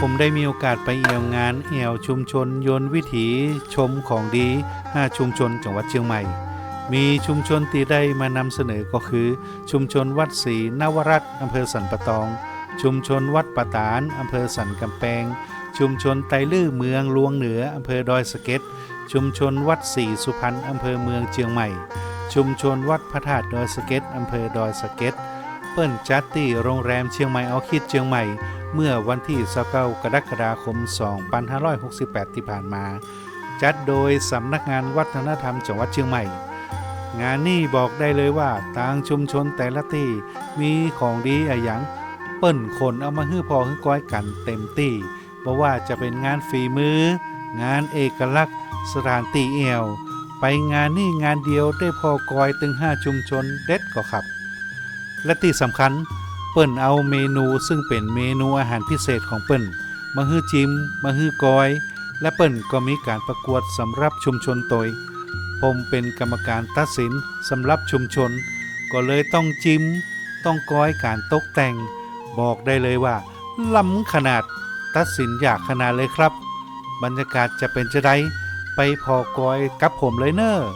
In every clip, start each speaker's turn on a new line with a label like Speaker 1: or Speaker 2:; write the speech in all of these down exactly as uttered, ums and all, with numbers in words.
Speaker 1: ผมได้มีโอกาสไปเอี่ยวงานแอวชุมชนยนต์วิถีชมของดีห้าชุมชนจังหวัดเชียงใหม่มีชุมชนที่ได้มานำเสนอก็คือชุมชนวัดศรีนวรัตน์อำเภอสันปะตองชุมชนวัดปะตานอำเภอสันกำแพงชุมชนไตลื้อเมืองลวงเหนืออำเภอดอยสะเก็ดชุมชนวัดศรีสุพรรณอำเภอเมืองเชียงใหม่ชุมชนวัดพระธาตุดอยสะเก็ดอำเภอดอยสะเก็ดเปิ้นจัดที่โรงแรมเชียงใหม่เอาคิดเชียงใหม่เมื่อวันที่ยี่สิบเก้ากรกฎาคมสองพันห้าร้อยหกสิบแปดที่ผ่านมาจัดโดยสำนักงานวัฒนธรรมจังหวัดเชียงใหม่งานนี้บอกได้เลยว่าทางชุมชนแต่ละที่มีของดีอะหยังเปิ้นคนเอามาฮื้อพอฮื้อก้อยกันเต็มที่เพราะว่าจะเป็นงานฝีมืองานเอกลักษณ์สถานที่เอวไปงานนี้งานเดียวได้พอกอยถึงห้าชุมชนเด็ดก็ครับและที่สำคัญเปิ้นเอาเมนูซึ่งเป็นเมนูอาหารพิเศษของเปิ้นมาฮื้อจิ้มมาฮื้อกอยและเปิ้นก็มีการประกวดสำหรับชุมชนตยผมเป็นกรรมการตัดสินสำหรับชุมชนก็เลยต้องจิ้มต้องกอยการตกแต่งบอกได้เลยว่าล้ำขนาดตัดสินยากขนาดเลยครับบรรยากาศจะเป็นจะไดไปพอกอยกับผมเลยเนอะ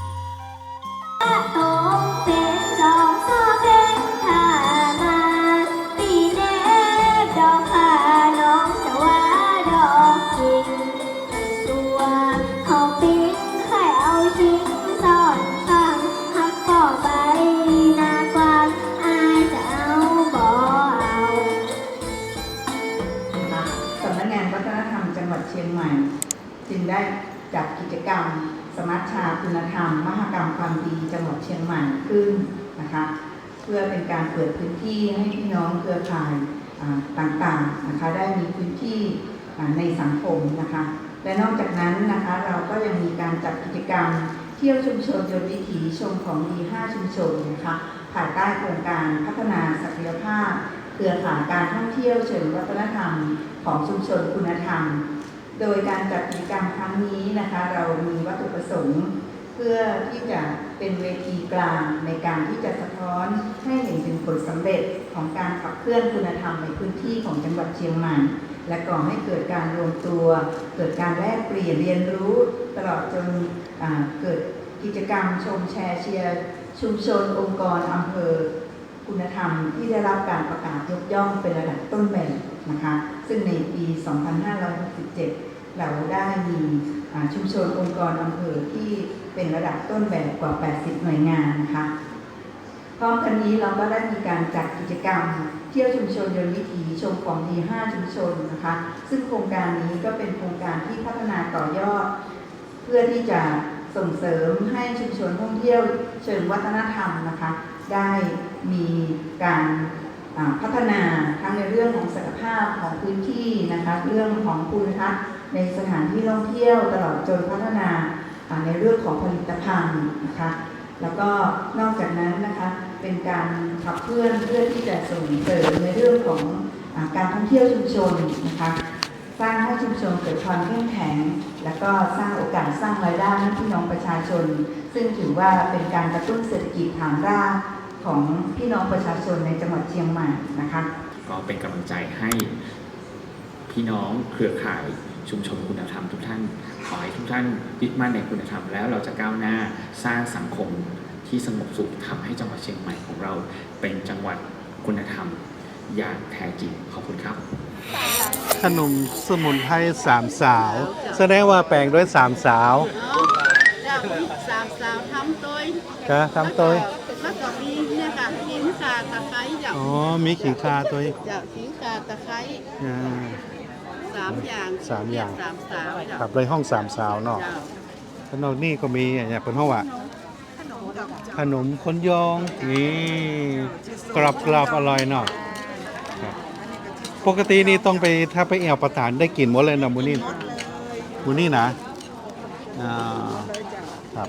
Speaker 2: จึงได้จัดกิจกรรมสมัชชาคุณธรรมมหกรรมความดีจังหวัดเชียงใหม่ขึ้นนะคะเพื่อเป็นการเปิดพื้นที่ให้พี่น้องเครือข่ายต่างๆนะคะได้มีพื้นที่ในสังคมนะคะและนอกจากนั้นนะคะเราก็ยังมีการจัดกิจกรรมเที่ยวชุมชนยนต์วิถีชมของดีห้าชุมชนนะคะภายใต้โครงการพัฒนาศักยภาพเครือข่ายการท่องเที่ยวเชิงวัฒนธรรมของชุมชนคุณธรรมโดยการจัดกิจกรรมครั้งนี้นะคะเรามีวัตถุประสงค์เพื่อที่จะเป็นเวทีกลางในการที่จะสะท้อนให้เห็นถึงผลสำเร็จของการขับเคลื่อนคุณธรรมในพื้นที่ของจังหวัดเชียงใหม่และก่อให้เกิดการรวมตัวเกิดการแลกเปลี่ยนเรียนรู้ตลอดจนเกิดกิจกรรมชมแชร์เชียร์ชุมชนองค์กรอำเภอคุณธรรมที่ได้รับการประกาศยกย่องเป็นระดับต้นแบบนะคะซึ่งในปี สองพันห้าร้อยหกสิบเจ็ด เราได้มีชุมชนองค์กรอำเภอที่เป็นระดับต้นแบบกว่า แปดสิบ หน่วยงานนะคะพร้อมกันนี้เราก็ได้มีการจัดกิจกรรมเที่ยวชุมชนยนต์วิถีชมของดีห้าชุมชนนะคะซึ่งโครงการนี้ก็เป็นโครงการที่พัฒนาต่อยอดเพื่อที่จะส่งเสริมให้ชุมชนท่องเที่ยวเชิงวัฒนธรรมนะคะได้มีการพัฒนาทั้งในเรื่องของศักยภาพของพื้นที่นะคะเรื่องของภูมิทัศน์ในสถานที่ท่องเที่ยวตลอดจนพัฒนาในเรื่องของผลิตภัณฑ์นะคะแล้วก็นอกจากนั้นนะคะเป็นการขับเคลื่อนเพื่อที่จะส่งเสริมในเรื่องของการท่องเที่ยวชุมชนนะคะสร้างให้ชุมชนเกิดความเข้มแข็งแล้วก็สร้างโอกาสสร้างรายได้ให้พี่น้องประชาชนซึ่งถือว่าเป็นการกระตุ้นเศรษฐกิจฐานรากของพี่น้องประชาชนในจังหวัดเชียงใหม่นะคะ
Speaker 3: ก็เป็นกำลังใจให้พี่น้องเครือข่ายชุมชนคุณธรรมทุกท่านขอให้ทุกท่านยึดมั่นในคุณธรรมแล้วเราจะก้าวหน้าสร้างสังคมที่สงบสุขทำให้จังหวัดเชียงใหม่ของเราเป็นจังหวัดคุณธรรมอย่างแท้จริงขอบคุณครับ
Speaker 1: ขนมสมุนไพรสามสาวแสดงว่าแปลงด้วยสามสาว
Speaker 4: สามสาวทำตัว
Speaker 1: ก็ทำตัว
Speaker 4: แล้วก็มีเนี่ยค่ะขิงข่าตะไคร้เจ้า
Speaker 1: อ๋อมีขิงข่าตัว
Speaker 4: เจ้าขิงข่าตะไคร้สามอย่าง
Speaker 1: สามอย่าง
Speaker 4: สามสาว
Speaker 1: ครับเลยห้องสามสาวเนาะขนมนี่ก็มีอย่างเป็นห้องว่าขนมคนยองนี่กรอบกรอบอร่อยเนาะปกตินี่ต้องไปถ้าไปแอวประทานได้กินหมดเลยนะมูนี่มูนี่นะอ่าครับ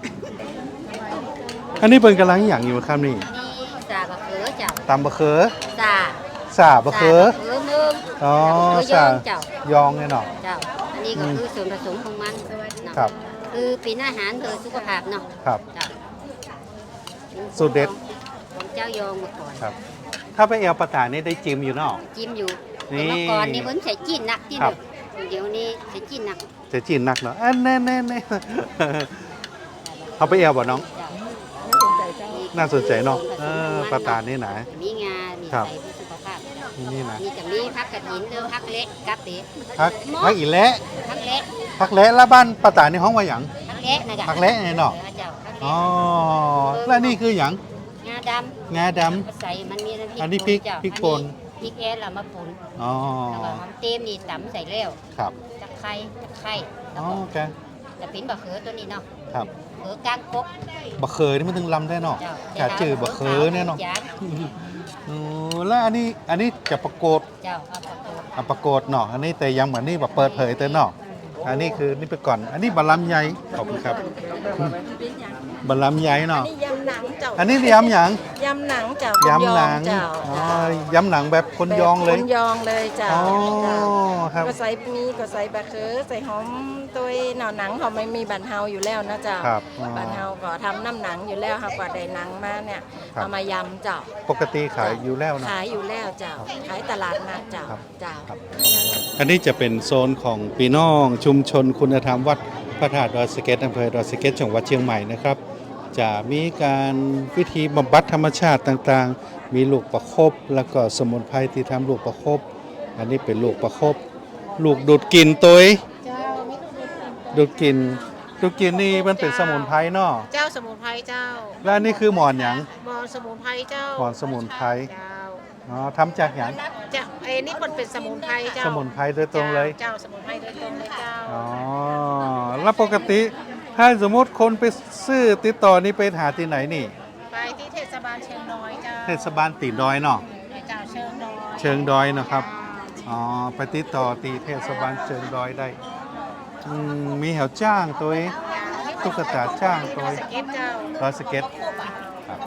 Speaker 1: อันนี้เป็นกำลังอย่างอยู่ครับนี่
Speaker 5: ซาบะเขือเจ้า
Speaker 1: ตำบะเขือ
Speaker 5: ซา
Speaker 1: ซาบะเขืออ๋อซายองเนี่ยเนาะ
Speaker 5: เจ้าอันนี้ก็คือส่วนผสมของมันครับคือเป็นอาหารเพื่อสุขภาพเนาะ
Speaker 1: ครับสูตรเด็ด
Speaker 5: ของเจ้ายองมาก่อน
Speaker 1: ครับถ้าไปแอวประทานนี่ได้จิ้มอยู่เนาะ
Speaker 5: จิ้มอยู่แต่เมื่อก่อนนี่เพิ่นใส่จีนหนักที่
Speaker 1: ครับ
Speaker 5: เดี๋ยวนี้ใส่จีนหนัก
Speaker 1: จะจีนหนักเนาะอันแน่แน่แน่ เอาไปเอวบ่น้อง น่าสนใจเนาะเออปลาตาลนี่นะ
Speaker 5: มีงา มี
Speaker 1: ครับ
Speaker 5: ใส่เพื่อสุขภาพ
Speaker 1: นี่นะ
Speaker 5: มีจะมีพักกระถินหรือพักเล็กกับเต๋
Speaker 1: พักพักอีและ
Speaker 5: พักเล็ก
Speaker 1: พักและแล้วบ้านปลาตาลนี่ห้องว่าหยัง
Speaker 5: พักเล็กนะจ๊ะ
Speaker 1: พักเละไงเนาะ
Speaker 5: ออเจ้าพักเล็
Speaker 1: อ๋อก แล้วนี่คือหยัง
Speaker 5: งาดำ
Speaker 1: งาด
Speaker 5: มาใส่มันมีน้ำพริก
Speaker 1: อันนี้พริก
Speaker 5: เจ้า
Speaker 1: พริกป่น
Speaker 5: พริกแอนเรามาป่น
Speaker 1: ำอ๋อ
Speaker 5: แล้วก็หอมเต็มนี่ตำใส่แล้ว
Speaker 1: ครับ
Speaker 5: ตะไคร้ตะไคร้แล้ว
Speaker 1: อ๋อ
Speaker 5: ก็
Speaker 1: โอเค
Speaker 5: จะเป็นบะเขือตัวนี้เนาะ
Speaker 1: ครับ
Speaker 5: เขือกลางกก
Speaker 1: บะเคยนี่มันถึงลำได้เนาะ
Speaker 5: เจ้า
Speaker 1: แค่จือบะเคยเนี่ยเนาะ
Speaker 5: จ้
Speaker 1: อ๋อแล้วอันนี้อันนี้จะประกฏ
Speaker 5: เจ้าเอาปลาโกด
Speaker 1: อ่ะประกฏเนาะอันนี้แต่ยังเหมือนนี่แบบเปิดเผยแต่เนาะอันนี้คือนี่ไปก่อน อันนี้บะลำไยขอบคุณครับบะลำไยเนาะ
Speaker 4: นี่ยำหนังเจ้า
Speaker 1: อันนี้ยำหยัง
Speaker 4: ยำหนังเจ้าย
Speaker 1: ำหนัง
Speaker 4: เจ้า
Speaker 1: อ๋อยำหนังแบบคนยองเลย
Speaker 4: คนยองเลยเจ้า
Speaker 1: อ๋อ
Speaker 4: เจ้า
Speaker 1: ครับ
Speaker 4: ก็ใส่มีก็ใส่บะเขือใส่หอมตัวหน่อหนังเขาไม่มีบันเฮาอยู่แล้วนะเจ้า
Speaker 1: ครับอ๋อ
Speaker 4: บันเฮาก็ทำน้ำหนังอยู่แล้วค่ะกว่าได้หนังมาเนี่ย
Speaker 1: ครับ
Speaker 4: เอามายำเจ้า
Speaker 1: ปกติขายอยู่แล้วเนาะ
Speaker 4: ขายอยู่แล้วเจ้าขายตลาดนัดเจ้า
Speaker 1: ครับ
Speaker 4: เจ้า
Speaker 1: อันนี้จะเป็นโซนของพี่น้องชุมชนคุณธรรมวัดพระธาตุดอยสะเก็ดอำเภอดอยสะเก็ดจังหวัดเชียงใหม่นะครับ จะมีการวิธีบำบัดธรรมชาติต่างๆ มีลูกประคบแล้วก็สมุนไพรที่ทำลูกประคบ อันนี้เป็นลูกประคบ ลูกดูดกลิ่นตัวดูดกลิ่นดูดกลิ่นนี่มันเป็นสมุนไพรเนาะ
Speaker 4: เจ้าสมุนไพรเจ้า
Speaker 1: และอันนี้คือหมอนหยัง
Speaker 4: มอสมุนไพรเจ้า
Speaker 1: หมอนสมุนไพร
Speaker 4: เจ้า
Speaker 1: อ๋อทำจากหยัง
Speaker 4: เจ้าไอ้นี่มันเป็นสมุนไพรเจ้า
Speaker 1: สมุนไพรโดยตรงเลย
Speaker 4: เจ้าสมุนไพรโดยตรงเลยเจ้า
Speaker 1: อ๋อแล้วปกติถ้าสมมติคนไปซื้อติดต่อนี่ไปหาที่ไหนนี่
Speaker 4: ไปที่เทศบาลเชียงน้อยเจ้า
Speaker 1: เทศบาลตีดอยเนาะ
Speaker 4: เจ้าเชิงน้อย
Speaker 1: เชิงดอยนะครับ อ๋อ ไปติดต่อตีเทศบาลเชิงดอยได้อืมมีแถวจ้างตัวเองตุ๊กตาจ้างตัวเอง
Speaker 4: สเก็ตเจ้า
Speaker 1: ดอยสเก็ตครับ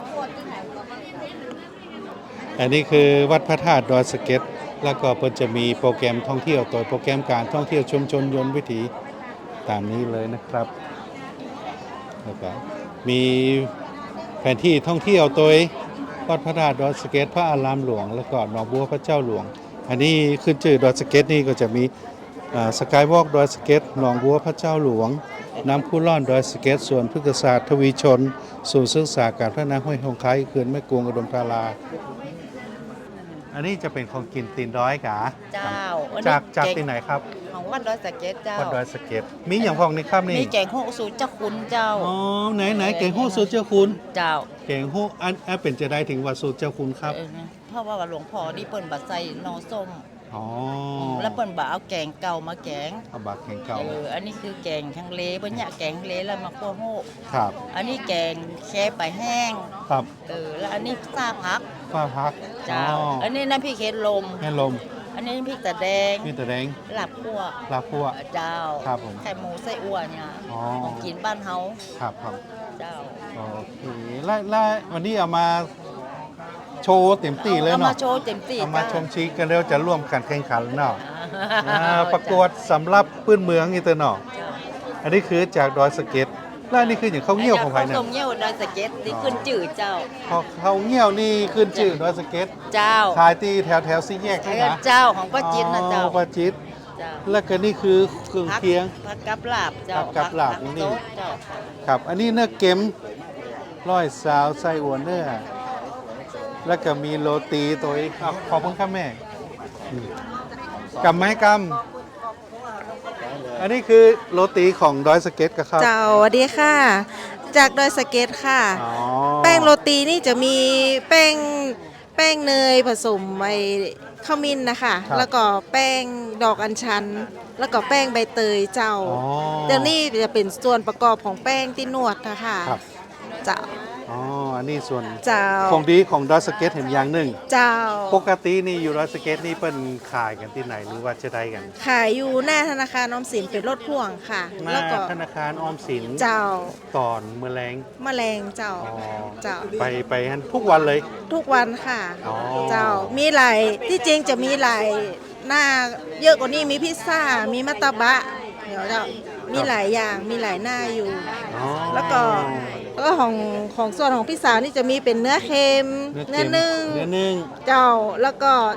Speaker 1: อันนี้คือวัดพระธาตุดอยสเก็ต แล้วก็เพิ่นจะมีโปรแกรมท่องเที่ยวตัวโปรแกรมการท่องเที่ยวชุมชนยนต์วิถีตามนี้เลยนะครับแล้วก็มีแผนที่ท่องเที่ยวตัววัดพระธาตุดอยสะเก็ดพระอารามหลวงแล้วก็หนองบัวพระเจ้าหลวง อันนี้ขึ้นชื่อดอยสะเก็ดนี่ก็จะมีสกายวอล์กดอยสะเก็ดหนองบัวพระเจ้าหลวง น้ำพุล่อนดอยสะเก็ดสวนพฤกษศาสตร์ทวีชนศูนย์ศึกษาการพัฒนาห้วยหงคายเขื่อนแม่กวงอุดมธารา อันนี้จะเป็นของกินตีนดอยกะ
Speaker 6: เจ้า
Speaker 1: จากจากที่ไหนครับ
Speaker 6: ของวัดดอยสะเก็ดเจ้า
Speaker 1: วัดดอยสะเก็ดมีอย่างพองนี่ครับนี่
Speaker 6: มีแกงโฮสูตรเจ้าคุณเจ้า
Speaker 1: อ๋อไหนไหนเก่งฮู้สูตรเจ้าคุณ
Speaker 6: เจ้า
Speaker 1: เก่งฮู้อันอันเป็นจะได้ถึงว่าสูตรเจ้าคุณครับ
Speaker 6: เออนะเพราะว่าหลวงพ่อนี่เปิ้นบัดใส่หนอส้ม
Speaker 1: อ๋อ
Speaker 6: แล้วเปิ้นบ่เอาแกงเก่ามาแกง
Speaker 1: เอาบักแข่งเก่า
Speaker 6: เอออันนี้คือแกงฮังเลเปิ้นเนี่ยแกงฮังเลแล้วมาคั่วโฮ
Speaker 1: ครับ
Speaker 6: อันนี้แกงแค่ไปแห้ง
Speaker 1: ครับ
Speaker 6: เออแล้วอันนี้ซาพัก
Speaker 1: ฟ้าพัก
Speaker 6: เจ้า อันนี้น้ำพริกเห็ดลม
Speaker 1: แม่ลม
Speaker 6: อันนี้น้ำพริกตะแดง
Speaker 1: มีแต่แดง
Speaker 6: ลาบคั่ว
Speaker 1: ลาพัว
Speaker 6: เจ้า
Speaker 1: ครับผม
Speaker 6: ไข่หมูไส้อั่วเนี่ย
Speaker 1: อ๋อ
Speaker 6: ของกินบ้านเฮา
Speaker 1: ครับครับ
Speaker 6: เจ้า
Speaker 1: โอเคแล้วแล้ววันนี้เอามาโชว์เต็มที่เลย
Speaker 6: เอามา
Speaker 1: เนาะ
Speaker 6: โชว์เต็มที่
Speaker 1: เอามา
Speaker 6: เจ้
Speaker 1: ชมชีกันแล้วจะร่วมกันแข่งขันเนาะ
Speaker 6: อ่า
Speaker 1: อ่าประกวดสำหรับพื้นเมืองอีเตอร์เนาะ
Speaker 6: เจ้า
Speaker 1: อันนี้คือจากดอยสะเก็ดแล้วอันนี้คืออย่างข้าวเงี้ยวของไผ่เนี่ย
Speaker 6: ข้าวเงี้ยวดอยสะเก็ดที่ขึ้นจืดเจ้า
Speaker 1: พอข้าวเงี้ยวนี่ขึ้นชื่อดอยสะเก็ด
Speaker 6: เจ้า
Speaker 1: ขายที่แถวแถวซีแยกใช่ไหม
Speaker 6: เจ้าของป้าจินนะเจ้า
Speaker 1: อ๋อป้าจิต
Speaker 6: เจ้า
Speaker 1: แล้วก็นี่คือเครื่อง
Speaker 6: ผัก
Speaker 1: เคียง
Speaker 6: ผักกับลาบเจ้า
Speaker 1: ผักกับลาบ
Speaker 6: ผั
Speaker 1: นี่
Speaker 6: โต๊ะเจ้า
Speaker 1: ครับ อันนี้เนื้อเก็มร้อยสาวไส้อัวเนื้อ แล้วก็มีโรตีตัวอีกอ่ะขอบคุณครับแม่อืมกำไม้กำอันนี้คือโรตีของดอยสะเก็ตกับครับ
Speaker 7: เจ้าสวัสดีค่ะ จากดอยสะเก็ตค่ะ
Speaker 1: อ๋อ
Speaker 7: แป้งโรตีนี่จะมีแป้งแป้งเนยผสมไอข้าวมิ้นนะคะ แล้วก็แป้งดอกอัญชัน แล้วก็แป้งใบเตยเจ้า
Speaker 1: อ๋อ
Speaker 7: เดี๋ยวนี้จะเป็นส่วนประกอบของแป้งที่นวดนะคะ
Speaker 1: ครับ
Speaker 7: เจ้า
Speaker 1: อ๋อ อันนี้ส่วน
Speaker 7: เจ้า
Speaker 1: ของดีของดอยสะเก็ตเห็นอย่างหนึ่ง
Speaker 7: เจ้า
Speaker 1: ปกตินี่อยู่ดอยสะเก็ตนี่เป็นขายกันที่ไหนหรือว่าจะได้กัน
Speaker 7: ขายอยู่หน้าธนาคารออมสินเป็นรถพ่วงค่ะ
Speaker 1: หน้า
Speaker 7: แล้วก็
Speaker 1: ธนาคารออมสิน
Speaker 7: เจ้า
Speaker 1: ตอนเมื่อแรง
Speaker 7: แมลงเจ้า
Speaker 1: อ๋อ
Speaker 7: เจ้า
Speaker 1: ไปไปฮันทุกวันเลย
Speaker 7: ทุกวันค่ะ
Speaker 1: อ๋อ
Speaker 7: เจ้า มีหลายที่จริงจะมีหลายหน้าเยอะกว่านี้มีพิซซ่า มีมัตตบะ เดี๋ยวเจ้ามีหลายอย่าง มีหลายหน้าอยู่
Speaker 1: อ๋อ
Speaker 7: แล้วก็แล้วก็ของของส่วนของพิซซ่านี่จะมีเป็นเนื้อเค็ม
Speaker 1: เนื้อ
Speaker 7: เนื้อนึ่ง
Speaker 1: เนื้อนึ่ง
Speaker 7: เจ้า แล้วก็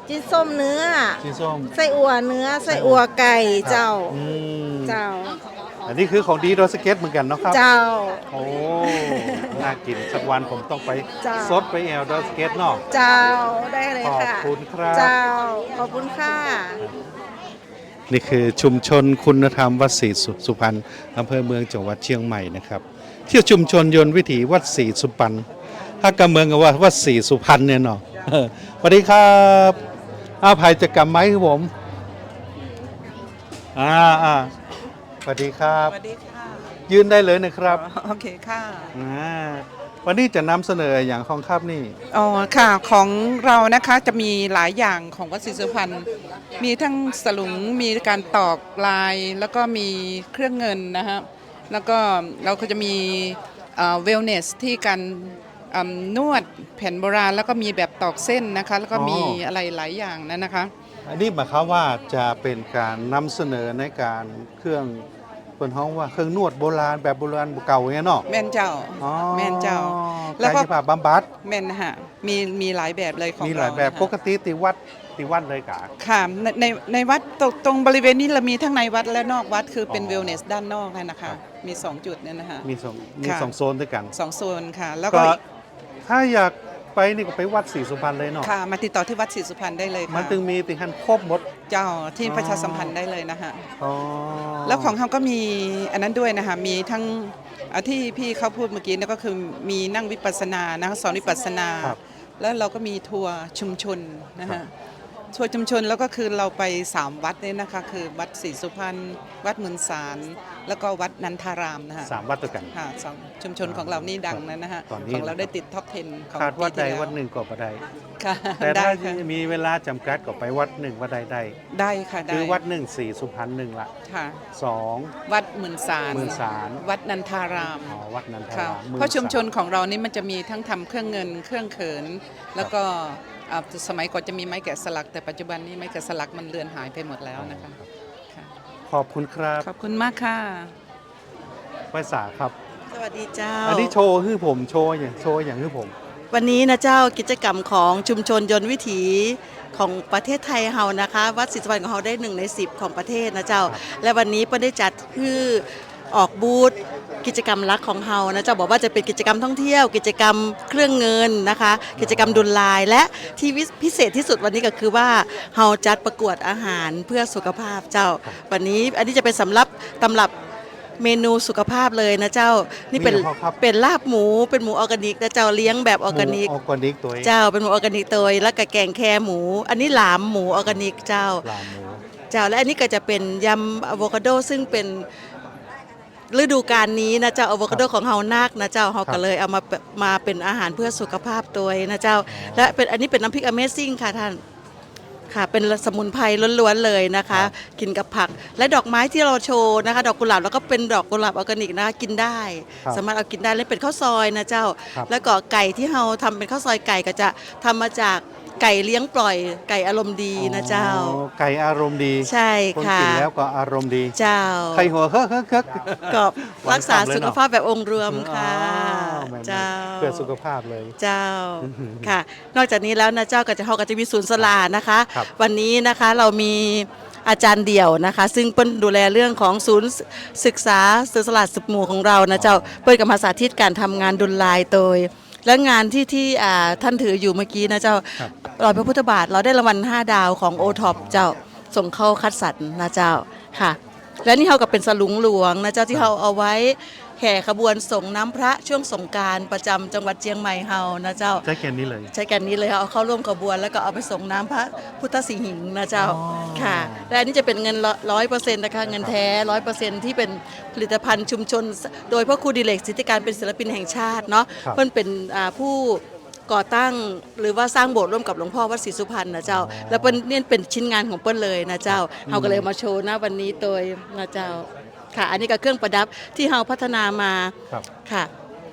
Speaker 7: จิ้นส้มเนื้อ
Speaker 1: จีนส้ม
Speaker 7: ไส้อั่วเนื้อไส้อั่วไก่เจ้า
Speaker 1: อืม
Speaker 7: เจ้า
Speaker 1: อันนี้คือของดีโดยสเก็ตเหมือนกันเนาะครับ
Speaker 7: เจ้า
Speaker 1: โอ้ น่ากินสักวันผมต้องไป
Speaker 7: จ้า
Speaker 1: ซดไปแอลโดยสเก็ตเนาะ
Speaker 7: เจ้าได้เลย
Speaker 1: ขอบ
Speaker 7: ค่ะ
Speaker 1: คุณครับ
Speaker 7: เจ้าขอบคุณค่ะ
Speaker 1: นี่คือชุมชนคุณธรรมวัดศรีสุสุพรรณอำเภอเมืองจังหวัดเชียงใหม่นะครับเที่ยวชุมชนยนต์วิถีวัดศรีสุพรรณถ้ากำเมืองกับว่าวัดศรีสุพรรณเนี่ยเนาะเออสวัสดีครับอ้าวภัยจะกำไหมครับผมอ่าอ่าสวัสดีครับ
Speaker 8: สวัสดีค่ะ
Speaker 1: ยืนได้เลยนะครับ
Speaker 8: โอเคค่ะ
Speaker 1: อ่าวันนี้จะนำเสนออย่างของครับนี่
Speaker 8: อ๋อค่ะของเรานะคะจะมีหลายอย่างของวัดศรีสุพรรณมีทั้งสลุงมีการตอกลาย แล้วก็มีเครื่องเงินนะฮะแล้วก็เราก็จะมีเวลเนสที่การอ่านวดแผ่นโบราณ แล้วก็มีแบบตอกเส้นนะคะแล้วก็มีอะไรหลายอย่างนั้นนะคะ
Speaker 1: อันนี้หมายความว่าจะเป็นการนำเสนอในการเครื่องเป็นห้องว่าเครื่องนวดโบราณแบบโบราณเก่าอย่างเงี้ยเนาะ
Speaker 8: แม่นเจ้า
Speaker 1: อ๋อ
Speaker 8: แม่นเจ้า แล้
Speaker 1: แล้ว
Speaker 8: วก็
Speaker 1: ก็ผ่าบำบัด
Speaker 8: แม่นนะฮะมีมีหลายแบบเลยของ
Speaker 1: มี
Speaker 8: เรา
Speaker 1: หลายแบบ
Speaker 8: นะคะ
Speaker 1: ปกติติวัดติวัดเลยกะ
Speaker 8: ค่ะในในในวัดตรงตรงบริเวณนี้เรามีทั้งในวัดและนอกวัดคือเป็น
Speaker 1: อ๋อ
Speaker 8: เวลเนสด้านนอกนั่นนะคะมีสองจุดเนี่ยนะคะ
Speaker 1: มีสองมี
Speaker 8: ค่ะ
Speaker 1: สองโซนด้วยกัน
Speaker 8: สองโซนค่ะ แล้ว
Speaker 1: ก็
Speaker 8: ก็
Speaker 1: ถ้าอยากไปนี่ก็ไปวัดศรีสุพรรณเลยเนาะ
Speaker 8: ค่ะมาติดต่อที่วัดศรีสุพรรณได้เลย
Speaker 1: มัน
Speaker 8: ค่ะ
Speaker 1: ถึงมีติหันครบหมด
Speaker 8: เจ้าที่
Speaker 1: อ๋อ
Speaker 8: ประชาสัมพันธ์ได้เลยนะคะ
Speaker 1: อ๋อ
Speaker 8: แล้วของเขาก็มีอันนั้นด้วยนะคะมีทั้งอ่ะที่พี่เขาพูดเมื่อกี้นั่นก็คือมีนั่งวิปัสสนานะคะสอนวิปัสสนา
Speaker 1: ครับ
Speaker 8: แล้วเราก็มีทัวร์ชุมชนนะคะทัวร์ชุมชนแล้วก็คือเราไปสามวัดเนี่ยนะคะคือวัดศรีสุพรรณวัดมุนสารแล้วก็วัดนันทารามนะคะ
Speaker 1: สามวัดด้วยกัน
Speaker 8: ค่ะสองชุมชนของเรานี่ดังนะนะฮะ
Speaker 1: ตอนนี้
Speaker 8: ของเราได้ติดท็อปสิบของ
Speaker 1: คาดวัด
Speaker 8: ปี
Speaker 1: ใด
Speaker 8: ที่แล้ว
Speaker 1: วัดหนึ่งก็บ่ได้
Speaker 8: ค่ะ
Speaker 1: แต่
Speaker 8: ได้
Speaker 1: ถ้า
Speaker 8: ค่ะ
Speaker 1: มีเวลาจำกัดก็ไปวัดหนึ่งวัดใดได้
Speaker 8: ได้ค่ะได้
Speaker 1: คือวัดหนึ่งศรีสุพรรณหนึ่งละ
Speaker 8: ค่ะ
Speaker 1: สอง
Speaker 8: วัดหมื่นสาร
Speaker 1: หมื่นสาร
Speaker 8: วัดนันทาราม
Speaker 1: อ๋อวัดนันทา
Speaker 8: ค่ะ
Speaker 1: รามหมื่น
Speaker 8: เพราะชุมชน
Speaker 1: ส
Speaker 8: ของเรานี่มันจะมีทั้งทำเครื่องเงินเครื่องเขิน แล้วก็อ่าสมัยก่อนจะมีไม้แกะสลัก แต่ปัจจุบันนี้ไม้แกะสลักมันเลือนหายไปหมดแล้วนะคะค่ะ
Speaker 1: ขอบคุณครับ
Speaker 8: ขอบคุณมากค่ะ
Speaker 1: ไว้สาครับ
Speaker 9: สวัสดีเจ้า
Speaker 1: อันนี้โชว์คือผมโชว์อย่างโชว์อย่างคือผม
Speaker 9: วันนี้นะเจ้ากิจกรรมของชุมชนยนต์วิถีของประเทศไทยเฮานะคะ วัดศรีสุวรรณของเฮาได้หนึ่งในสิบของประเทศนะเจ้า และวันนี้เปิ้ลได้จัดคือออกบูธกิจกรรมรักของเฮานะเจ้าบอกว่าจะเป็นกิจกรรมท่องเที่ยว กิจกรรมเครื่องเงินนะคะ กิจกรรมดุลลาย และที่พิเศษที่สุดวันนี้ก็คือว่าเฮาจัดประกวดอาหารเพื่อสุขภาพเจ้า วันนี้อันนี้จะเป็นสำรับตำรับเมนูสุขภาพเลยนะเจ้านี่เป็น
Speaker 1: มีเหรอครับ
Speaker 9: เป็นลาบหมูเป็นหมูออร์แกนิกนะเจ้าเลี้ยงแบบออร์แกนิก
Speaker 1: หมูออร์แกนิกตัวเอง
Speaker 9: เจ้าเป็นหมูออร์แกนิกตัวแล้วก็แกงแคหมู อันนี้หลามหมูออร์แกนิกเจ้า
Speaker 1: ปลาหมู
Speaker 9: เจ้าและอันนี้ก็จะเป็นยำอะโวคาโดซึ่งเป็นฤดูกาลนี้นะเจ้าอะโวคาโดของเฮานักนะเจ้าเฮาก็เลยเอามามาเป็นอาหารเพื่อสุขภาพตัวนะเจ้า และเป็นอันนี้เป็นน้ำพริก Amazing ค่ะท่านค่ะเป็นสมุนไพรล้วนๆเลยนะคะ กินกับผักและดอกไม้ที่เราโชว์นะคะ ดอกกุหลาบแล้วก็เป็นดอกกุหลาบออร์แกนิกนะคะกินได้
Speaker 1: ครับ
Speaker 9: สามารถเอากินได้และเป็นข้าวซอยนะเจ้า
Speaker 1: ครับ
Speaker 9: แล้วก็ไก่ที่เราทำเป็นข้าวซอยไก่ก็จะทำมาจากไก่เลี้ยงปล่อยไก่อารมณ์ดีนะเจ้า
Speaker 1: อ๋อไก่อารมณ์ดี
Speaker 9: ใช่
Speaker 1: คน
Speaker 9: ค่ะ
Speaker 1: กินแล้วก็อารมณ์ดี
Speaker 9: เจ้า
Speaker 1: ไข่หัวเฮ้อเฮ้อเฮ้อ
Speaker 9: ก็
Speaker 1: หวาน
Speaker 9: รักษา
Speaker 1: ฉ่ำเลย
Speaker 9: สุข
Speaker 1: เนอะ
Speaker 9: ภาพแบบองค์รวมค่ะ
Speaker 1: อ๋อแม่นๆ
Speaker 9: เจ้า
Speaker 1: เพื่อสุขภาพเลย
Speaker 9: เจ้าค่ะ นอกจากนี้แล้วนะเจ้าก็จะเขาก็จะมีศูนย์สลานะคะ
Speaker 1: ครับ
Speaker 9: วันนี้นะคะเรามีอาจารย์เดี่ยวนะคะ ซึ่งเปิ้ลดูแลเรื่องของศูนย์ศึกษาศูนย์สลาดสุขหมู่ของเรานะเจ้าเปิ้ลกับมาสาธิตการทำงานดุลลายโดย และงานที่ที่อ่าท่านถืออยู่เมื่อกี้นะเจ้า
Speaker 1: ครับ
Speaker 9: รอยพระพุทธบาทเราได้รางวัลห้าดาวของโอท็อปเจ้าส่งเข้าคัดสรรนะเจ้าค่ะ และนี่เขาก็เป็นสลุงหลวงนะเจ้าที่เขาเอาไว้แห่ขบวนส่งน้ำพระช่วงสงกรานต์ประจำจังหวัดเชียงใหม่เฮานะเจ้า
Speaker 1: ใช้แกนนี้เลย
Speaker 9: ใช้กันนี้เลยเอาเข้าร่วมขบวนแล้วก็เอาไปส่งน้ำพระพุทธสิหิงค์นะเจ้า
Speaker 1: อ๋อ
Speaker 9: ค่ะและอันนี้จะเป็นเงินร้อยเปอร์เซ็นต์นะคะเงินแท้ร้อยเปอร์เซ็นต์ที่เป็นผลิตภัณฑ์ชุมชน โดยพระครูดิเรกสิทธิการเป็นศิลปินแห่งชาติเนาะ
Speaker 1: ครับ
Speaker 9: เพิ่นเป็นอ่าผู้ก่อตั้งหรือว่าสร้างโบสถ์ร่วมกับหลวงพ่อวัดศรีสุพรรณนะเจ้า แล้วเปิ้ลเนี่ยเป็นชิ้นงานของเปิ้ลเลยนะเจ้าเฮาก็เลยมาโชว์นะวันนี้โดยนะเจ้าค่ะ อันนี้ก็เครื่องประดับที่เฮาพัฒนามา
Speaker 1: ครับ
Speaker 9: ค่ะ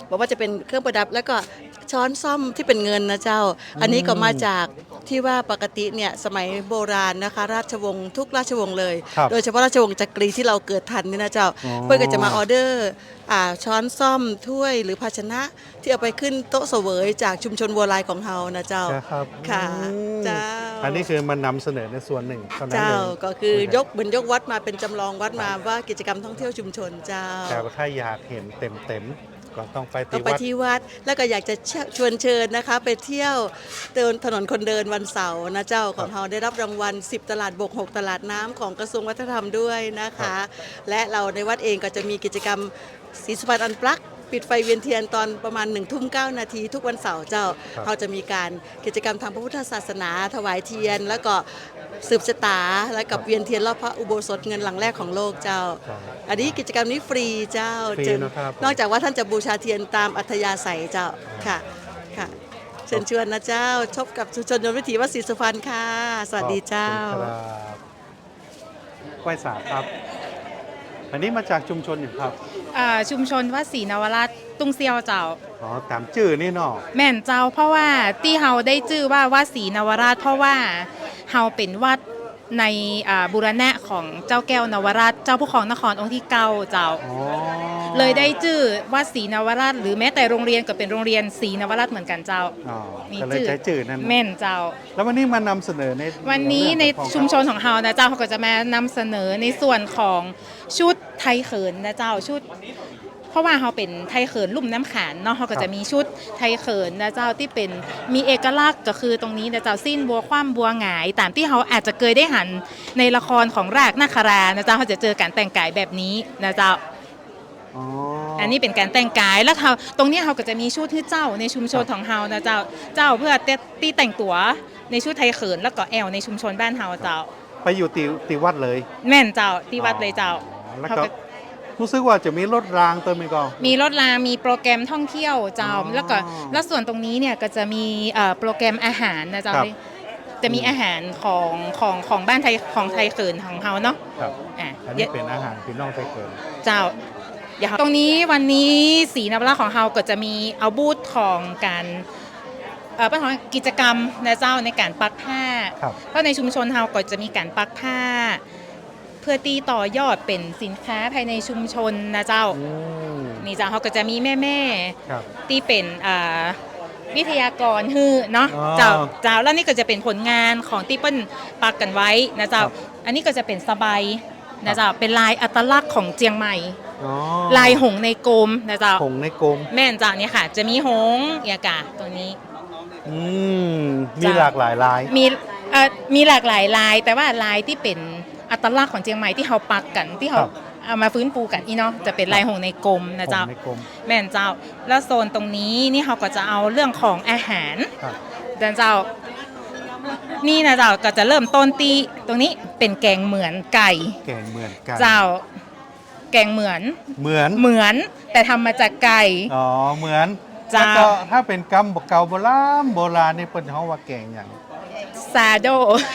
Speaker 9: บอกว่าจะเป็นเครื่องประดับแล้วก็ช้อนซ่อมที่เป็นเงินนะเจ้า อันนี้ก็มาจากที่ว่าปกติเนี่ยสมัยโบราณนะคะราชวงศ์ทุกราชวงศ์เลย
Speaker 1: ครับ
Speaker 9: โดยเฉพาะราชวงศ์จักรีที่เราเกิดทันนี่นะเจ้า
Speaker 1: อ๋อ
Speaker 9: เพื่อนก็จะมาออเดอร์อ่าช้อนซ่อมถ้วยหรือภาชนะที่เอาไปขึ้นโต๊ะเสวยจากชุมชนวัวลายของเฮานะเจ้า
Speaker 1: ครับ
Speaker 9: ค่ะ
Speaker 1: อืม
Speaker 9: เจ้า
Speaker 1: อันนี้คือมันนำเสนอในส่วนหนึ่งเท่านั้น
Speaker 9: เจ้า
Speaker 1: เอง
Speaker 9: ก็คือยกเหมือนยกวัดมาเป็นจำลองวัดมาว่ากิจกรรมท่องเที่ยวชุมชนเจ้า
Speaker 1: แต่ว่าถ้าอยากเห็นเต็มเต็มๆก็ต้องไป
Speaker 9: ต้อ
Speaker 1: ที่
Speaker 9: งไป
Speaker 1: วัด
Speaker 9: ที่วัดแล้วก็อยากจะชวนเชิญนะคะ ไปเที่ยวเดินถนนคนเดินวันเสาร์นะเจ้าของเราได้รับรางวัลสิบตลาดบกหกตลาดน้ำของกระทรวงวัฒนธรรมด้วยนะคะ และเราในวัดเองก็จะมีกิจกรรมศรีสุพรรณอันปลักปิดไฟเวียนเทียนตอนประมาณหนึ่งทุ่มเก้านาทีทุกวันเสาร์เจ้า
Speaker 1: ครับ
Speaker 9: เราจะมีการกิจกรรมทางพระพุทธศาสนาถวายเทียน แล้วก็สืบชะตาแล้วกับเวียนเทียนรอบพระอุโบสถเงินหลังแรกของโลกเจ้า
Speaker 1: ครับ
Speaker 9: อันนี้กิจกรรมนี้ฟรีเจ้า
Speaker 1: ฟรี
Speaker 9: เชิญ
Speaker 1: นะครับ
Speaker 9: นอกจากว่าท่านจะบูชาเทียนตามอัธยาศัยเจ้าค่ะค่ะเชิญชวนนะเจ้าชมกับชุมชนยนต์วิถีวัดศรีสุพรรณค่ะ สวัสดีเจ้า
Speaker 1: ขอบคุณครับไหว้สาครับ อันนี้มาจากชุมชนอย่างครับ
Speaker 10: อ่าชุมชนวัดศรีนวราชตุ้งเซียวเจ้า
Speaker 1: อ๋อตามชื่อนี่เนาะ
Speaker 10: แม่นเจ้าเพราะว่าที่เฮาได้ชื่อว่าวัดศรีนวราช เพราะว่าเฮาเป็นวัดในอ่าบูรณะของเจ้าแก้วนวราช เจ้าผู้ครองนครองค์ที่เก้าเจ้า
Speaker 1: อ๋อ
Speaker 10: เลยได้ชื่อวัดศรีนวราช หรือแม้แต่โรงเรียนก็เป็นโรงเรียนศรีนวราชเหมือนกันเจ้า
Speaker 1: อ๋อ
Speaker 10: มี
Speaker 1: ก็เลย
Speaker 10: ชื่อ
Speaker 1: ใช้ชื่อนั้น
Speaker 10: แม่นเจ้า
Speaker 1: แล้ววันนี้มานำเสนอใน
Speaker 10: วันนี้ใน
Speaker 1: เรื่องของ
Speaker 10: ชุมชนของเฮานะเจ้าเขาก็จะมานำเสนอในส่วนของชุดไทยเขินนะเจ้าชุด เพราะว่าเขาเป็นไทยเขินลุ่มน้ำขานเนาะเขาก็จะมีชุดไทยเขินนะเจ้าที่เป็นมีเอกลักษณ์ก็คือตรงนี้นะเจ้าสิ้นบัวคว่ำบัวหงาย ตามที่เขาอาจจะเคยได้หันในละครของรากนาครานะเจ้าเขาจะเจอการแต่งกายแบบนี้นะเจ้า
Speaker 1: อ๋อ
Speaker 10: อันนี้เป็นการแต่งกายแล้วเขาตรงนี้เขาก็จะมีชุดที่เจ้าในชุมชนของเฮานะเจ้าเจ้าเพื่อตีแต่งตัวในชุดไทยเขินแล้วก็แอลในชุมชนบ้านเฮาเจ้า
Speaker 1: ไปอยู่ตีตีวัดเลย
Speaker 10: แม่นเจ้าที่วัดเลยเจ้า
Speaker 1: อ๋อแล้ว
Speaker 10: เขา
Speaker 1: ก็
Speaker 10: ก็
Speaker 1: รู้สึกว่าจะมีรถรางเติมอีกก่อน
Speaker 10: มีรถรางมีโปรแกรมท่องเที่ยวเจ้า
Speaker 1: อ๋อ
Speaker 10: แล้วก็แล้วส่วนตรงนี้เนี่ยก็จะมีเอ่อโปรแกรมอาหารนะเจ้า
Speaker 1: ครับ
Speaker 10: จะมีอาหารของของของบ้านไทยของไทยเขินของเฮาเนาะ
Speaker 1: ครับ
Speaker 10: อ่ะ
Speaker 1: อัน
Speaker 10: เดี๋
Speaker 1: นี้
Speaker 10: ยว
Speaker 1: เป็นอาหารพี่น้องไทยเกิน
Speaker 10: เจ้าเดี๋ยวตรงนี้วันนี้สีนวราของเฮาก็จะมีเอาบูธของการเอ่อเป็นของกิจกรรมนะเจ้าในการปักผ้า
Speaker 1: ครับ
Speaker 10: เพราะในชุมชนเฮาก็จะมีการปักผ้า เพื่อตีต่อยอดเป็นสินค้าภายในชุมชนนะเจ้า
Speaker 1: อืม
Speaker 10: นี่เจ้าเขาก็จะมีแม่แม่
Speaker 1: ครับ
Speaker 10: ๆที่เป็นอ่าวิทยากรฮือเนาะ
Speaker 1: อ๋อ
Speaker 10: เจ้าเจ้าแล้วนี่ก็จะเป็นผลงานของที่เปิ้ลปักกันไว้นะเจ้า
Speaker 1: ครับ
Speaker 10: อันนี้ก็จะเป็นสบายนะเจ้าเป็นลายอัตลักษณ์ของเจียงใหม่
Speaker 1: อ๋อ
Speaker 10: ลายหงส์ในกรมนะเจ้า
Speaker 1: ผงในกรม
Speaker 10: แม่นเจ้าเนี่ยค่ะ จะมีหงส์เอียกาตัวนี้
Speaker 1: อืมมีหลากหลายลาย
Speaker 10: มีเอ่อมีหลากหลายลาย แต่ว่าลายที่เป็นอัตลักษณ์ของเจียงใหม่ที่เขาปักกันที่เขา
Speaker 1: ครับ
Speaker 10: เอามาฟื้นฟูกันอีเนาะจะเป็นลายหงส์ในกรมนะ
Speaker 1: ผ
Speaker 10: เจ้า
Speaker 1: งในกรม
Speaker 10: แม่นเจ้า แล้วโซนตรงนี้นี่เขาก็จะเอาเรื่องของอาหาร
Speaker 1: ครับ
Speaker 10: เดินเจ้า นี่นะเจ้าก็จะเริ่มต้นที่ตรงนี้เป็นแกงเหมือนไก่
Speaker 1: แกงเหมือนกัน
Speaker 10: เจ้า แกงเหมือน
Speaker 1: เหมือน
Speaker 10: เหมือนแต่ทำมาจากไก่
Speaker 1: อ๋อเหมือน
Speaker 10: เจ้า
Speaker 1: แล้วก็ถ้าเป็นกำบอกเก่าโบราณโบราณนี่เป็นเขาว่าแกงอย่าง
Speaker 10: ซาโด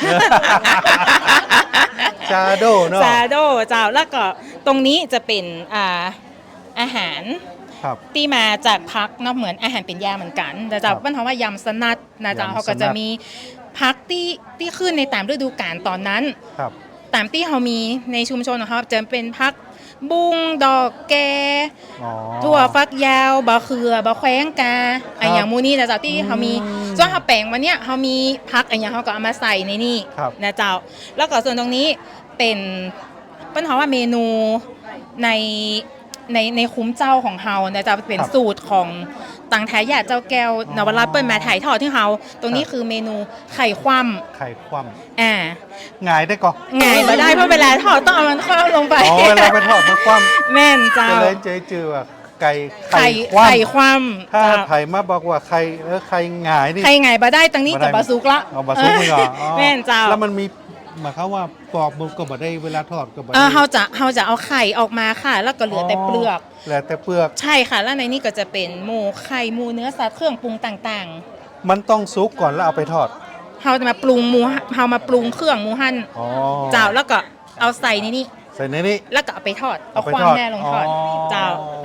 Speaker 1: ชาโดเนาะ
Speaker 10: ซาโดเจ้าแล้วก็ตรงนี้จะเป็นอ่าอาหาร
Speaker 1: ครับ
Speaker 10: ที่มาจากพักเนาะเหมือนอาหารเป็นยาเหมือนกันแต่เจ้า
Speaker 1: ครับ
Speaker 10: บ้านเขาว่ายำสนัดนะเจ้าย
Speaker 1: ำสนัด
Speaker 10: เขาก็จะมีพักที่ที่ขึ้นในตามฤดูกาลตอนนั้น
Speaker 1: ครับ
Speaker 10: ตามที่เขามีในชุมชนของเขาจะเป็นพักบุ้งดอกแก
Speaker 1: อ๋อ
Speaker 10: ถั่วฟักยาวบะเขือบะแขวงกาไออย่างมูนี่นะเจ้าที่เขามี
Speaker 1: อืม
Speaker 10: ส่วนเขาแปลงวันเนี้ยเขามีพักไออย่างเขาก็เอามาใส่ในนี่
Speaker 1: ครับ
Speaker 10: นะเจ้า แล้วก็ส่วนตรงนี้เป็นเปิ้นเขาว่าเมนูในในในคุ้มเจ้าของเฮานะเจ้าเป็น
Speaker 1: ครับ
Speaker 10: สูตรของตังทายาทเจ้าแก้วนวรัตน์เปิ้นมาถ่ายทอดที่เฮาตรงนี้
Speaker 1: ครับ
Speaker 10: คือเมนูไข่คว่
Speaker 1: ไข่คว่
Speaker 10: ำอ่า
Speaker 1: ำหงายได้ก่อน
Speaker 10: ไงมาได้เพราะเวลาทอดต้องเอามันคว่ำลงไป
Speaker 1: อ๋อเวลาไปทอดมันคว่ำ
Speaker 10: แม่นเจ้า
Speaker 1: ก็เลยเจอจือว่าไก่
Speaker 10: ไข่
Speaker 1: คว่ำ
Speaker 10: ไข่คว่ำ
Speaker 1: ถ้า
Speaker 10: เจ้า
Speaker 1: ไผ่มาบอกว่าไข่เออไข่หงายนี่
Speaker 10: ไข่ไงบาได้ตังนี้กับบาซุกละ
Speaker 1: เอาบาซุกไม่ก่อนอ๋อ
Speaker 10: แม่นเจ้า
Speaker 1: แล้วมันมีหมายความว่าปอกมันก็บ่ได้เวลาทอดก็บ่
Speaker 10: เอ
Speaker 1: ได้
Speaker 10: อเขาจะเขาจะเอาไข่ออกมาค่ะ แล้วก็เหลือแต่เปลือก
Speaker 1: เหลือแต่เปลือก
Speaker 10: ใช่ค่ะ แล้วในนี้ก็จะเป็นหมูไข่หมูเนื้อสัตว์เครื่องปรุงต่าง
Speaker 1: มันต้องซุกก่อนแล้วเอาไปทอด
Speaker 10: ๆเขาจะมาปรุงหมูเขามาปรุงเครื่องหมูหั่น
Speaker 1: อ๋อ
Speaker 10: เจ้าแล้วก็เอาใส่ในนี้
Speaker 1: ใส่ในนี้
Speaker 10: แล้วก็เอาไปทอดเอา
Speaker 1: ไป
Speaker 10: ความ
Speaker 1: ทอด
Speaker 10: แม่ลงทอดเจ้า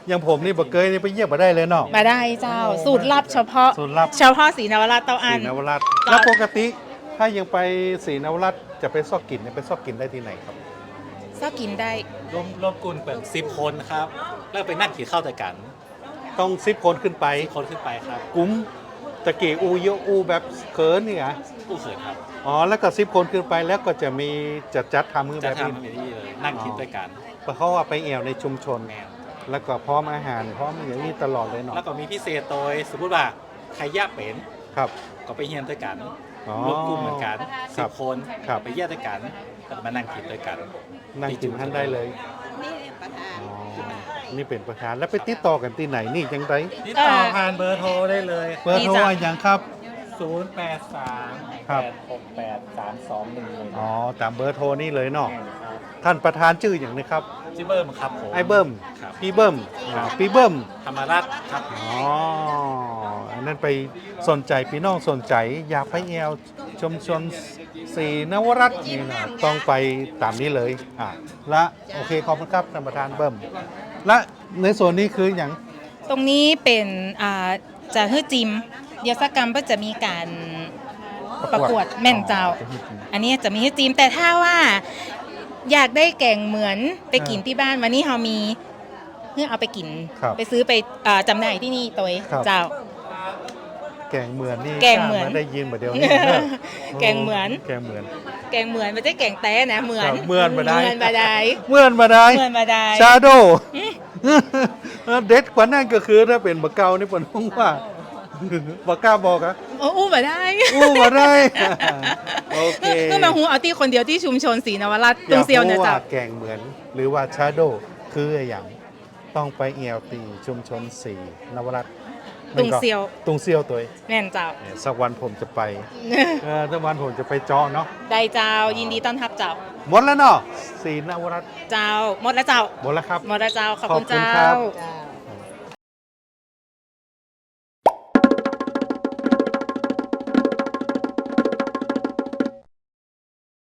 Speaker 1: อย่างผมนี่บ่เคยนี่ไปเยี่ยมมาได้เลยเนาะ
Speaker 10: มาได้เจ้าสูตรลับเฉพาะ
Speaker 1: สูตรลับ
Speaker 10: เฉพาะสีนวราชเต้าอั
Speaker 1: ศรี
Speaker 10: น
Speaker 1: นวราช
Speaker 10: จ้ะ
Speaker 1: แล้วปกติถ้ายังไปศรีนวราชจะไปซอกกินเนี่ยไปซอกกินได้ที่ไหนครับ
Speaker 10: ก็กินได้
Speaker 11: รวมรวมกลุ่มเป็นสิบคนครับ แล้วไปนั่งกินข้าวแต่กัน
Speaker 1: ต้องสิบคนขึ้นไป
Speaker 11: สิบคนขึ้นไปครับ
Speaker 1: กลุ่มตะกี้อูเยอะอูแบบเขินนี่ไง
Speaker 11: ผู้เขินครับ
Speaker 1: อ๋อแล้วก็สิบคนขึ้นไปแล้วก็จะมีจัดจัดทำมือ
Speaker 11: จะ
Speaker 1: แบบนี้
Speaker 11: ทำแบบนี้เลยนั่งคิดด้วยกัน
Speaker 1: เพราะว่าไปแอวในชุมชน
Speaker 11: แมว
Speaker 1: แล้วก็พร้อมอาหารพร้อมอย่างนี้ตลอดเลยเนาะ
Speaker 11: แล้วก็มีพิเศษโดยสมมติว่าใครยากเป็น
Speaker 1: ครับ
Speaker 11: ก็ไปเฮียนด้วยกัน
Speaker 1: อ๋อ
Speaker 11: รวมกลุ่มเหมือนกัน
Speaker 1: ค
Speaker 11: สิ
Speaker 1: รับบ
Speaker 11: คน
Speaker 1: ครับ
Speaker 11: ไปเยี่ยมด้วยกันแล้วมานั่งคิดด้วยกัน
Speaker 1: นั่งกินท่านได้เลย
Speaker 9: นี่ประธาน
Speaker 1: อ๋อนี่เป็นประธานแล้วไปติดต่อกันที่ไหนนี่จังได
Speaker 11: ติดต่อผ่านเบอร์โทรได้เลย
Speaker 1: เบอร์โทรอะไรอย่างครับ
Speaker 11: ศูนย์ แปด สาม
Speaker 1: ครั
Speaker 11: แป
Speaker 1: บ
Speaker 11: ด หก แปด สาม สอง หนึ่ง เลย
Speaker 1: อ๋อตามเบอร์โทรนี่เลยเนาะท่านประธานชื่ออย่างนี้ครับ
Speaker 11: จิเบิ้มครับผม
Speaker 1: ไอ้เบิ้ม
Speaker 11: ครับ
Speaker 1: พี่เบิ้มอ๋อพี่เบิ้ม
Speaker 11: ธรรมรัตน์ครับ
Speaker 1: อ๋ออันนั้นไปสนใจพี่น้องสนใจอยากไปแอวชมชนศรีนวรัตน์นี่นะต้องไปตามนี้เลยอ่ะและโอเคขอบคุณครับท่านประธานเบิ้มและในส่วนนี้คืออย่าง
Speaker 10: ตรงนี้เป็นอ่าจะฮื้อจิม เดี๋ยวสักกรรมก็จะมีการประกวดแม่นเจ้า อันนี้จะมีฮื้อจิม แต่ถ้าว่าอยากได้แกงเหมือนไปกินที่บ้านวันนี้เรามีเพื่อเอาไปกิน
Speaker 1: ครับ
Speaker 10: ไปซื้อไปอ่าจำหน่ายที่นี่ตัวเอง
Speaker 1: ครับ
Speaker 10: เจ้า
Speaker 1: แกงเหมือนนี่
Speaker 10: แกงเหมือน
Speaker 1: ข้าาได้ยินมาเดียวนี้เนอะ
Speaker 10: แกงเหมือน
Speaker 1: แกงเหมือน
Speaker 10: แกงเหมือนไม่ใช่แกงแต้นะเหมือน
Speaker 1: ครับเหมือนมาได้
Speaker 10: เหมือนมาได้
Speaker 1: เหมือนมาได้
Speaker 10: เหมือนมาได้
Speaker 1: ชาโด เด็ดกว่านั่นก็คือถ้าเป็นบะเกานี่ผมว่า บะกล้าบอกอะ
Speaker 10: โอ้อู้มาได้
Speaker 1: อู้มาได้ โอเค
Speaker 10: ก็มาหูเอาที่คนเดียวที่ชุมชนศรีนวราชตรงเซียว
Speaker 1: อ
Speaker 10: นะ
Speaker 1: กรู้
Speaker 10: เจ้า
Speaker 1: ว่าแกงเหมือน หรือว่าชาโดคืออย่างต้องไปเอลตีชุมชนสีนวรัตน์
Speaker 10: ตุงเซียว
Speaker 1: ตุงเซียวตัวเอง
Speaker 10: แม่นเจ้า
Speaker 1: เนี่ยสักวันผมจะไปเออสักวันผมจะไปเจาะเนาะ
Speaker 10: ได้เจ้ายินดีต้อนรับเจ้า
Speaker 1: หมดแล้วเนาะสีนวรัตน์
Speaker 10: เจ้าหมดแล้วเจ้า
Speaker 1: หมดแล้วครับ
Speaker 10: หมดแล้วเจ้าขอบคุณ
Speaker 1: ขอบคุณ
Speaker 10: เจ้า
Speaker 1: ครับ
Speaker 9: จ้า